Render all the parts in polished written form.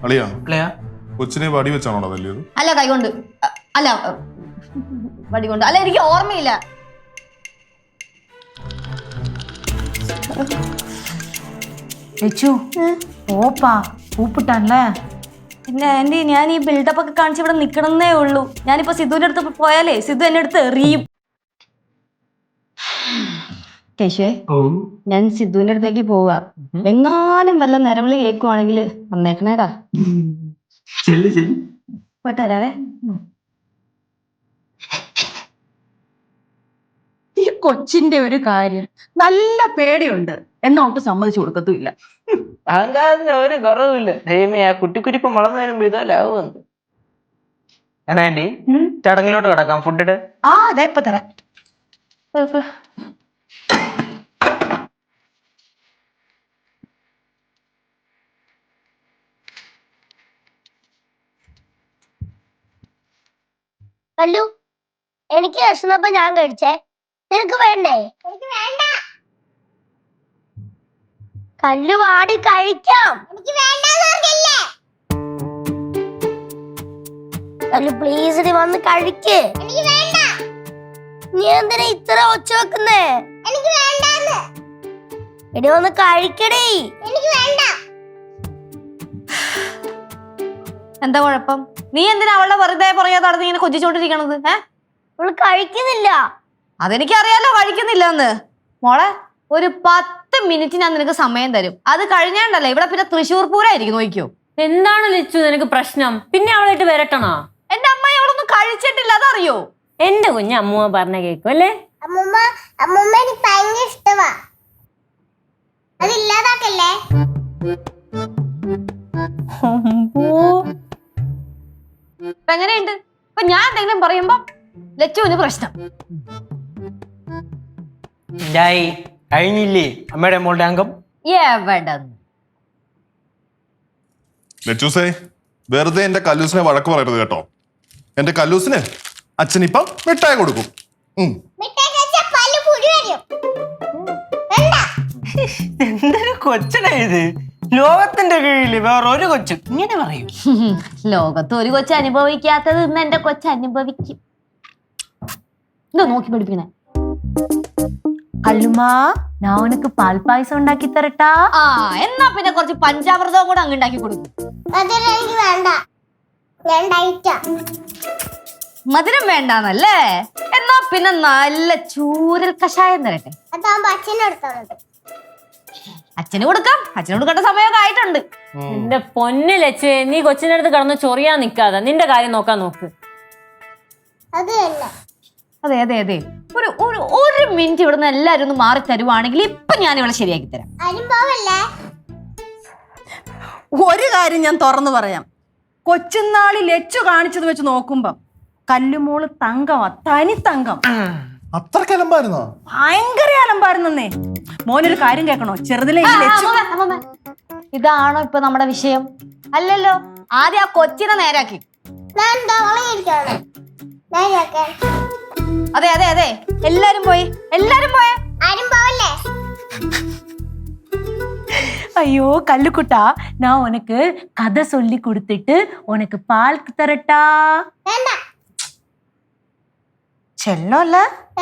അളിയാ അല്ലയാ കൊച്ചിനെ വടി വെച്ചാണോ തല്ലിയത്? അല്ല കൈകൊണ്ട് അല്ല വടി കൊണ്ട് അല്ല എനിക്ക് ഓർമ്മയില്ല. ഓപ്പാ കൂപ്പിട്ടാണല്ലേ. പിന്നെ ആന്റി ഞാൻ ഈ ബിൽഡപ്പ് ഒക്കെ കാണിച്ച് ഇവിടെ നിക്കണമെന്നേ ഉള്ളൂ. ഞാനിപ്പോ സിദ്ധുവിന്റെ അടുത്ത് പോയാലേ സിദ്ധു എന്നെ അടുത്ത് എറിയും. കേശുവേ ഞാൻ സിദ്ധുവിന്റെ അടുത്തേക്ക് പോവാ. എങ്ങാനും വല്ല നിലവിളി കേൾക്കുവാണെങ്കിൽ വന്നേക്കണേടാ. പോയിട്ട് വരാവേ. ഈ കൊച്ചിന്റെ ഒരു കാര്യം നല്ല പേടിയുണ്ട്, എന്നോട്ട് സമ്മതിച്ചു കൊടുക്കത്തുമില്ല. അഹങ്കാരത്തിന് ഒരു കുറവില്ല. ദൈവമേ, ആ കുട്ടിക്കുരിപ്പം വളർന്നു വരുമ്പോ ഇതല്ലാവുമെന്ന്. എന്നാ ആന്റി ചടങ്ങിലോട്ട് കിടക്കാം. ഫുഡ് അതെ ഇപ്പൊ തരാം. കല്ലു, എനിക്ക് വിശന്നപ്പോ ഞാൻ കഴിച്ചേ, നിനക്ക് വേണ്ടേ? എനിക്ക് വേണ്ട. കല്ലു വാടി കഴിക്കാം. എനിക്ക് വേണ്ടെന്നറിയില്ലേ? കല്ലു പ്ലീസ് നീ വന്ന് കഴിക്ക്. എനിക്ക് വേണ്ട. നീ എന്തിനാ ഇത്ര ഒച്ച വെക്കുന്നേ? എനിക്ക് വേണ്ടെന്ന്. എടി വന്ന് കഴിക്കടി. എനിക്ക് വേണ്ട. എന്താ കുഴപ്പം? നീ എന്തിനാ അവളുടെ വെറുതെ പറയാ നടന്ന് ഇങ്ങനെ കൊഞ്ചിച്ചോണ്ടിരിക്കണത്? അവള് കഴിക്കുന്നില്ല. അതെനിക്കറിയാലോ കഴിക്കുന്നില്ല എന്ന്. മോളെ ഒരു 10 മിനിറ്റ് ഞാൻ നിനക്ക് സമയം തരും. അത് കഴിഞ്ഞാണ്ടല്ലേ ഇവിടെ പിന്നെ തൃശ്ശൂർ പൂരായിരിക്കും. നോക്കിയോ. എന്താണ് ലച്ചു നിനക്ക് പ്രശ്നം? പിന്നെ അവളായിട്ട് വരട്ടണോ? എന്റെ അമ്മയെ അവളൊന്നും കഴിച്ചിട്ടില്ല, അതറിയോ? എന്റെ കുഞ്ഞ് അമ്മൂമ്മ പറഞ്ഞ കേക്കും അല്ലേ? അമ്മൂമ്മ എനിക്ക് ഭയങ്കര ഇഷ്ടമാ. അതില്ലാതാക്കല്ലേ. ഇപ്പൊ എങ്ങനെയുണ്ട്? ഇപ്പൊ ഞാൻ എന്തെങ്കിലും പറയുമ്പോ ലച്ചുവിന് പ്രശ്നം. കഴിഞ്ഞില്ലേ അമ്മയുടെ മോളുടെ അംഗം? എവിടെ ലച്ചൂസേ, വെറുതെ എന്റെ കല്ലൂസിനെ വഴക്ക് പറയരുത് കേട്ടോ. എന്റെ കല്ലൂസിന് അച്ഛനിപ്പം മിഠായി കൊടുക്കും. എന്തൊരു കൊച്ചനാ ഇത്! ലോകത്തിന്റെ കീഴില് വേറെ ഒരു കൊച്ചു ഇങ്ങനെ പറയും? ലോകത്ത് ഒരു കൊച്ചു അനുഭവിക്കാത്തത് ഇന്ന് എന്റെ കൊച്ചു അനുഭവിക്കും. എന്താ നോക്കി പഠിപ്പിക്കണേ? കല്ലുമാ, ഞാൻ ഉനക്ക് പാൽ പായസം ഉണ്ടാക്കി തരട്ടാ. എന്നാ പിന്നെ കുറച്ച് പഞ്ചാമൃതവും കൂടെ അങ്ങ് ഉണ്ടാക്കി കൊടുക്കും. എനിക്ക് വേണ്ട, ഞാൻ ഡയറ്റാ. മധുരം വേണ്ടാന്നല്ലേ? എന്നാ പിന്നെ നല്ല ചൂരൽ കഷായം തരട്ടെ. അതാകുമ്പോ അച്ഛനെടുത്തോളൂ. അച്ഛന് കൊടുക്കാം. അച്ഛന് കൊടുക്കേണ്ട സമയമൊക്കെ ആയിട്ടുണ്ട്. എന്റെ പൊന്ന് ലച്ചു, നീ കൊച്ചിന്റെ അടുത്ത് കിടന്ന് ചൊറിയാൻ നിക്കാതെ നിന്റെ കാര്യം നോക്കാൻ നോക്ക്. അത് തന്നെ. അതെ അതെ അതെ, ഒരു മിനിറ്റ് ഇവിടുന്ന് എല്ലാരും ഒന്ന് മാറി തരുവാണെങ്കിൽ ഇപ്പൊ ഞാൻ ഇവിടെ ശരിയാക്കി തരാം. ഒരു കാര്യം ഞാൻ തുറന്നു പറയാം. കൊച്ചുനാളി ലച്ചു കാണിച്ചത് വെച്ച് നോക്കുമ്പം കല്ലുമോള് തങ്കമാ, തനി തങ്കം. അത്രക്ക് അലമ്പായിരുന്നോ? ഭയങ്കര അലമ്പായിരുന്നേ. മോനൊരു കാര്യം കേൾക്കണോ? ചെറുതിലെ ഈ ലച്ചു ഇതാണോ ഇപ്പൊ നമ്മുടെ വിഷയം? അല്ലല്ലോ, ആദ്യം ആ കൊച്ചിനെ നേരാക്കി. അതെ അതെ അതെ, എല്ലാരും പോയി. ആരും പോവല്ലേ? ஐயோ கல்லுக்குட்டா, நான் உனக்கு கதை சொல்லி கொடுத்துட்டு உனக்கு பால் தரட்டா. ചെല്ലോല്ല.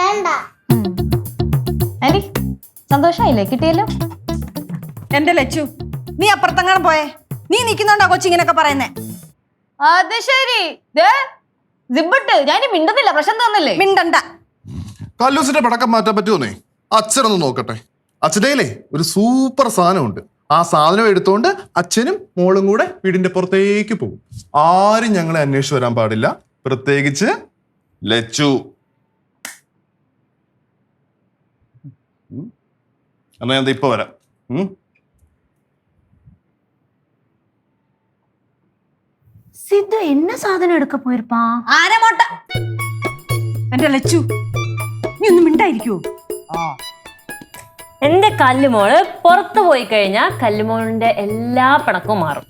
സന്തോഷായില്ലേ? കിട്ടിയല്ലോ. എന്റെ ലച്ചു, നീ അപ്പുറത്തെങ്ങാനും പോയേ. നീ നിൽക്കുന്നുണ്ടോ കൊച്ചിങ്ങനൊക്കെ പറയുന്നേ? അത് ശരി. ഞാൻ മിണ്ടുന്നില്ല, പ്രശ്നം തോന്നില്ലേ? മിണ്ടണ്ട. കല്ലൂസിന്റെ പടക്കം മാറ്റാൻ പറ്റുമോന്നേ? അച്ഛനൊന്ന് നോക്കട്ടെ. അച്ഛനേലേ ഒരു സൂപ്പർ സാധനമുണ്ട്. ആ സാധനം എടുത്തോണ്ട് അച്ഛനും മോളും കൂടെ വീടിന്റെ പുറത്തേക്ക് പോകും. ആരും ഞങ്ങളെ അന്വേഷിച്ച് വരാൻ പാടില്ല, പ്രത്യേകിച്ച് ലച്ചു. എന്നാ ഞാൻ ഇപ്പൊ വരാം. സിദ്ധു என்ன സാധനം എടുക്ക പോയിരിപ്പാ? ആരമോട്ട. എന്റെ ലച്ചു, നീ ഒന്നും മിണ്ടായിരിക്കോ? എന്റെ കല്ലുമോള് പുറത്തു പോയി കഴിഞ്ഞാൽ കല്ലുമോളിന്റെ എല്ലാ പിണക്കവും മാറും.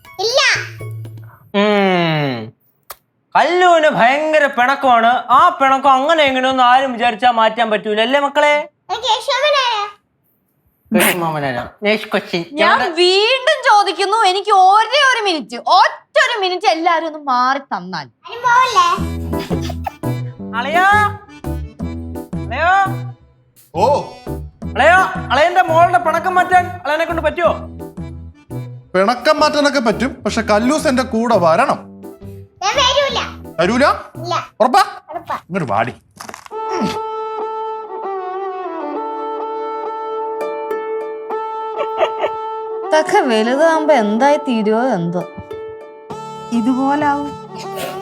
കല്ലുവിന് ഭയങ്കര പിണക്കമാണ്. ആ പിണക്കം അങ്ങനെ എങ്ങനെയൊന്നും ആരും വിചാരിച്ചാൽ മാറ്റാൻ പറ്റൂല, അല്ലേ മക്കളെ? ഞാൻ വീണ്ടും ചോദിക്കുന്നു, എനിക്ക് ഒരേ ഒരു മിനിറ്റ്, ഒറ്റ ഒരു മിനിറ്റ് എല്ലാരും ഒന്ന് മാറി തന്നാൽ. അളയോ അളയോ ഓ അളയോ, അളയന്റെ മോളുടെ പിണക്കം മാറ്റാൻ അളയനെ കൊണ്ട് പറ്റുമോ? പിണക്കം മാറ്റാനൊക്കെ പറ്റും, പക്ഷെ കല്ലൂസ് എന്റെ കൂടെ വരണം. വരൂല? ഉറപ്പാ? ഇങ്ങോട്ട് വാടി. ഇതൊക്കെ വലുതാകുമ്പോ എന്തായി തീരുവോ എന്തോ. ഇതുപോലാവും.